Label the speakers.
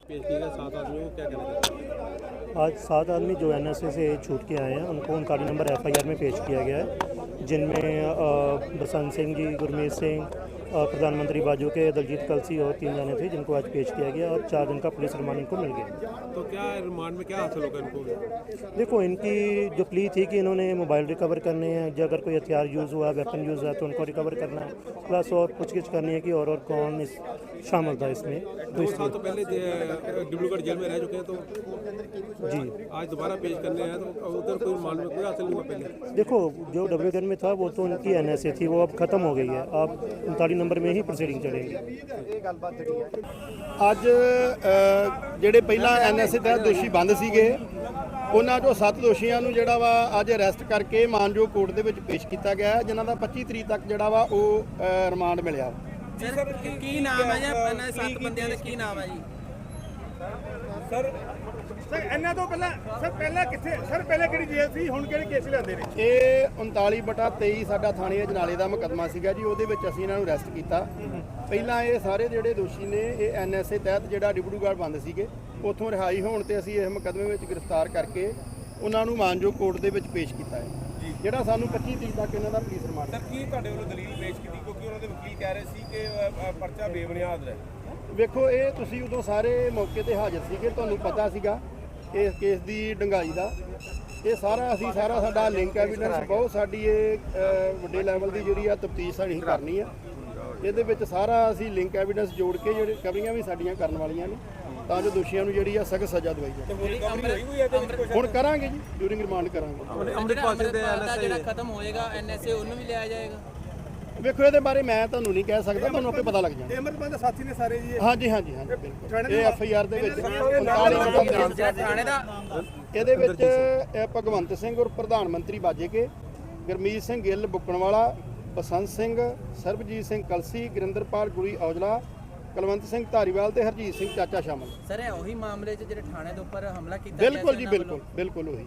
Speaker 1: पेश किए गए 7 आदमियों को क्या कहना चाहते हैं?
Speaker 2: आज 7 आदमी जो NSA से छूट के आए हैं उनको उनका नंबर FIR में पेश किया गया है, जिनमें बसंत सिंह जी, गुरमीत सिंह, प्रधानमंत्री बाजू के दलजीत कलसी और 3 जाने थे जिनको आज पेश किया गया और 4 दिन का पुलिस रिमांड इनको मिल गया।
Speaker 1: तो क्या रिमांड में क्या हासिल होगा इनको?
Speaker 2: देखो, इनकी जो प्ली थी कि इन्होंने मोबाइल रिकवर करने हैं, जो अगर कोई हथियार यूज़ हुआ, वेपन यूज़ हुआ तो उनको रिकवर करना है, प्लस और पूछगिछ करनी है कि और कौन इस शामिल था इसमें।
Speaker 1: 2 साल तो पहले डिब्रूगढ़ जेल में रह चुके हैं, तो
Speaker 2: जी
Speaker 1: आज दोबारा पेश करने हैं, तो उधर कोई रिमांड में कोई हासिल नहीं हुआ पहले?
Speaker 2: देखो, जो डब्ल्यूगन में था वो तो उनकी NSA थी, वो अब ख़त्म हो गई है। अब 39 नंबर में ही प्रोसीडिंग चलेंगी।
Speaker 3: ਅੱਜ ਜਿਹੜੇ ਪਹਿਲਾਂ NSA ਤਹਿਤ ਦੋਸ਼ੀ ਬੰਦ ਸੀਗੇ ਉਹਨਾਂ ਚੋਂ 7 ਦੋਸ਼ੀਆਂ ਨੂੰ ਜਿਹੜਾ ਵਾ ਅੱਜ ਅਰੈਸਟ ਕਰਕੇ ਮਾਨਯੋਗ ਕੋਰਟ ਦੇ ਵਿੱਚ ਪੇਸ਼ ਕੀਤਾ ਗਿਆ ਹੈ, ਜਿਨ੍ਹਾਂ ਦਾ 25 ਤਰੀਕ ਤੱਕ ਜਿਹੜਾ ਵਾ ਉਹ ਰਿਮਾਂਡ ਮਿਲਿਆ।
Speaker 4: ਸਰ ਕੀ ਨਾਮ ਹੈ ਜੀ ਇਹਨਾਂ 7 ਬੰਦਿਆਂ ਦਾ ਕੀ ਨਾਮ ਹੈ ਜੀ?
Speaker 5: ਸਰ ਇਹਨਾਂ ਤੋਂ ਪਹਿਲਾਂ ਕਿੱਥੇ ਸਰ ਪਹਿਲਾਂ ਕਿਹੜੀ ਜੇਲ੍ਹ ਸੀ, ਹੁਣ ਕਿਹੜੇ ਕੇਸ ਲਿਆਂਦੇ ਨੇ?
Speaker 3: ਇਹ 39/23 ਸਾਡਾ ਥਾਣੇ ਅਜਨਾਲੇ ਦਾ ਮੁਕੱਦਮਾ ਸੀਗਾ ਜੀ, ਉਹਦੇ ਵਿੱਚ ਅਸੀਂ ਇਹਨਾਂ ਨੂੰ ਅਰੈਸਟ ਕੀਤਾ। ਪਹਿਲਾਂ ਇਹ ਸਾਰੇ ਜਿਹੜੇ ਦੋਸ਼ੀ ਨੇ ਇਹ NSA ਤਹਿਤ ਜਿਹੜਾ ਡਿਬਰੂਗੜ੍ਹ ਬੰਦ ਸੀਗੇ ਉੱਥੋਂ ਰਿਹਾਈ ਹੋਣ ਤੇ ਅਸੀਂ ਇਸ ਮੁਕੱਦਮੇ ਵਿੱਚ ਗ੍ਰਿਫਤਾਰ ਕਰਕੇ ਉਹਨਾਂ ਨੂੰ ਮਾਨਯੋਗ ਕੋਰਟ ਦੇ ਵਿੱਚ ਪੇਸ਼ ਕੀਤਾ ਹੈ, ਜਿਹੜਾ ਸਾਨੂੰ 25 ਤਰੀਕ ਤੱਕ ਇਹਨਾਂ ਦਾ ਪੁਲਿਸ ਰਿਮਾਂਡ।
Speaker 5: ਸਰ ਕੀ ਤੁਹਾਡੇ ਵੱਲੋਂ ਦਲੀਲ ਪੇਸ਼ ਕੀਤੀ, ਕਿਉਂਕਿ ਉਹਨਾਂ ਦੇ ਵਕੀਲ ਕਹਿ ਰਹੇ ਸੀ ਕਿ ਪਰਚਾ ਬੇਬੁਨਿਆਦ ਹੈ?
Speaker 3: ਵੇਖੋ, ਇਹ ਤੁਸੀਂ ਉਦੋਂ ਸਾਰੇ ਮੌਕੇ ਤੇ ਹਾਜ਼ਰ ਸੀਗੇ, ਤੁਹਾਨੂੰ ਪਤਾ ਸੀਗਾ ਇਸ ਕੇਸ ਦੀ ਡੰਗਾਈ ਦਾ। ਇਹ ਸਾਰਾ ਸਾਡਾ ਲਿੰਕ ਐਵੀਡੈਂਸ ਬਹੁਤ ਸਾਡੀ ਇਹ ਵੱਡੇ ਲੈਵਲ ਦੀ ਜਿਹੜੀ ਆ ਤਫਤੀਸ਼ ਸਾਡੀ ਕਰਨੀ ਆ। ਇਹਦੇ ਵਿੱਚ ਸਾਰਾ ਅਸੀਂ ਲਿੰਕ ਐਵੀਡੈਂਸ ਜੋੜ ਕੇ ਜਿਹੜੇ ਕਵਰੀਆਂ ਵੀ ਸਾਡੀਆਂ ਕਰਨ ਵਾਲੀਆਂ ਨੇ ਤਾਂ ਜੋ ਦੋਸ਼ੀਆਂ ਨੂੰ ਜਿਹੜੀ ਆ ਸਖਤ ਸਜ਼ਾ ਦਵਾਈ ਜਾਵੇ। ਹੁਣ ਕਰਾਂਗੇ ਜੀ, ਡਿਊਰਿੰਗ ਰਿਮਾਂਡ ਕਰਾਂਗੇ।
Speaker 4: ਅੰਮ੍ਰਿਤਪਾਲ ਦਾ ਜਿਹੜਾ ਖਤਮ ਹੋਏਗਾ NSA ਉਹਨੂੰ ਵੀ ਲਿਆ ਜਾਏਗਾ?
Speaker 3: ਵੇਖੋ, ਇਹਦੇ ਬਾਰੇ ਮੈਂ ਤੁਹਾਨੂੰ ਨਹੀਂ ਕਹਿ ਸਕਦਾ, ਤੁਹਾਨੂੰ ਆਪੇ ਪਤਾ ਲੱਗ ਜਾਣਾ।
Speaker 5: ਅਮਰਪਾਲ ਦੇ ਸਾਥੀ ਨੇ ਸਾਰੇ ਜੀ?
Speaker 3: ਹਾਂਜੀ ਬਿਲਕੁਲ। ਇਹ FIR ਦੇ ਵਿੱਚ
Speaker 4: ਥਾਣੇ ਦਾ
Speaker 3: ਇਹਦੇ ਵਿੱਚ ਭਗਵੰਤ ਸਿੰਘ ਔਰ ਪ੍ਰਧਾਨ ਮੰਤਰੀ ਬਾਜੇ ਕੇ, ਗੁਰਮੀਤ ਸਿੰਘ ਗਿੱਲ ਬੁੱਕਣਵਾਲਾ, ਬਸੰਤ ਸਿੰਘ, ਸਰਬਜੀਤ ਸਿੰਘ ਕਲਸੀ, ਗੁਰਿੰਦਰਪਾਲ ਗੁਰੀ ਔਜਲਾ, ਕੁਲਵੰਤ ਸਿੰਘ ਧਾਰੀਵਾਲ ਤੇ ਹਰਜੀਤ ਸਿੰਘ ਚਾਚਾ ਸ਼ਾਮਲ।
Speaker 4: ਸਰ ਇਹ ਉਹੀ ਮਾਮਲੇ 'ਚ ਜਿਹੜੇ ਥਾਣੇ ਦੇ ਉੱਪਰ ਹਮਲਾ ਕੀਤਾ
Speaker 3: ਬਿਲਕੁਲ ਜੀ, ਬਿਲਕੁਲ ਉਹੀ।